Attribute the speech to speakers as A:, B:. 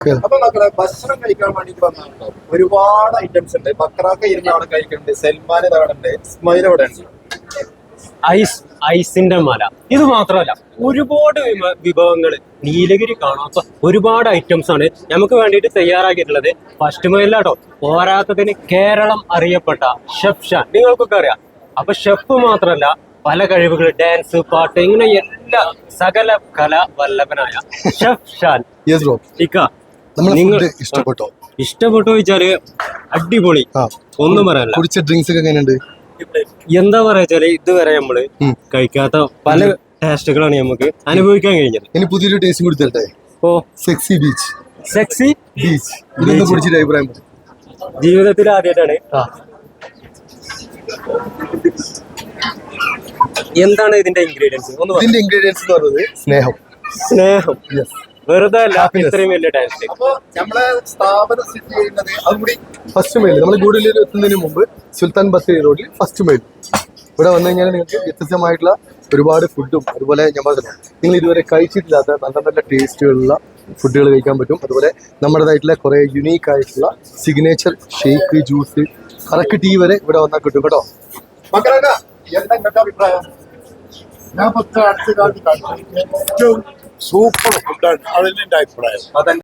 A: അപ്പൊ മക്കളെ ഭക്ഷണം കഴിക്കാൻ വേണ്ടിട്ട് വന്നിട്ടുണ്ടോ? ഒരുപാട് ഐറ്റംസ് ഉണ്ട്. ബക്രാക്ക ഇരുന്ന് അവിടെ കഴിക്കുന്നുണ്ട്, സൽമാൻ അവിടെ ഉണ്ട്, ഇസ്മായിൽ അവിടെ ഉണ്ട്.
B: ഐസിന്റെ മല ഇത് മാത്രമല്ല, ഒരുപാട് വിഭവങ്ങൾ നീലഗിരി കാണാത്ത ഒരുപാട് ഐറ്റംസ് ആണ് നമുക്ക് വേണ്ടിയിട്ട് തയ്യാറാക്കിയിട്ടുള്ളത്. ഫസ്റ്റ് മൈലാട്ടോ. പോരാത്തതിന് കേരളം അറിയപ്പെട്ട ഷെഫ് ഷാൻ നിങ്ങൾക്കൊക്കെ അറിയാം. അപ്പൊ ഷെഫ് മാത്രമല്ല, പല കഴിവുകൾ, ഡാൻസ്, പാട്ട്, ഇങ്ങനെ എല്ലാ സകല കലാ വല്ലഭനായ ഷെഫ് ഷാൻ. നിങ്ങൾ ഇഷ്ടപ്പെട്ടോ ചോദിച്ചാല് അടിപൊളി, ഒന്നും പറയാനില്ല.
C: കുടിച്ച ഡ്രിങ്ക്സ് ഒക്കെ എങ്ങനെയുണ്ട്?
B: എന്താ പറയാ, ഇതുവരെ നമ്മള് കഴിക്കാത്ത പല ടേസ്റ്റുകളാണ് നമുക്ക് അനുഭവിക്കാൻ കഴിഞ്ഞത്.
C: ഇനി പുതിയൊരു ടേസ്റ്റ് കൂടി തരട്ടെ. Sexy beach.
B: സെക്സി
C: ബീച്ച് ഇതൊന്നും കുടിച്ചിട്ട് അഭിപ്രായം
B: ജീവിതത്തിൽ ആദ്യമായിട്ടാണ്. എന്താണ് ഇതിന്റെ ഇൻഗ്രീഡിയൻസ്?
C: ഇതിന്റെ ഇൻഗ്രീഡിയൻസ് എന്ന് പറയുന്നത് സ്നേഹം.
B: വെറുതെ അല്ല, ഇത്രയും വലിയ ടേസ്റ്റ്.
A: അപ്പൊ നമ്മളെ സ്ഥാപനം സ്ഥിതി ചെയ്യുന്നത് അതുകൂടി
C: ഫസ്റ്റ് മൈൽ. നമ്മൾ ഗൂഡല്ലൂർ എത്തുന്നതിന് മുമ്പ് സുൽത്താൻ ബത്തേരി റോഡിൽ ഫസ്റ്റ് മൈൽ ഇവിടെ വന്നു കഴിഞ്ഞാൽ നിങ്ങൾക്ക് വ്യത്യസ്തമായിട്ടുള്ള ഒരുപാട് ഫുഡും, അതുപോലെ ഞാൻ പറഞ്ഞില്ല, നിങ്ങൾ ഇതുവരെ കഴിച്ചിട്ടില്ലാത്ത നല്ല നല്ല ടേസ്റ്റുകളുള്ള ഫുഡുകൾ കഴിക്കാൻ പറ്റും. അതുപോലെ നമ്മുടേതായിട്ടുള്ള കുറേ യുണീക്ക് ആയിട്ടുള്ള സിഗ്നേച്ചർ ഷേക്ക്, ജ്യൂസ്, കറക്ക് ടീ വരെ ഇവിടെ വന്നാൽ കിട്ടും കേട്ടോ.
A: ബക്രാക്ക എന്താ നിങ്ങളുടെ അഭിപ്രായം?
D: ഞാൻ അടുത്ത കാലത്ത് സൂപ്പർ ഫുഡാണ്. അതിന്റെ അഭിപ്രായം.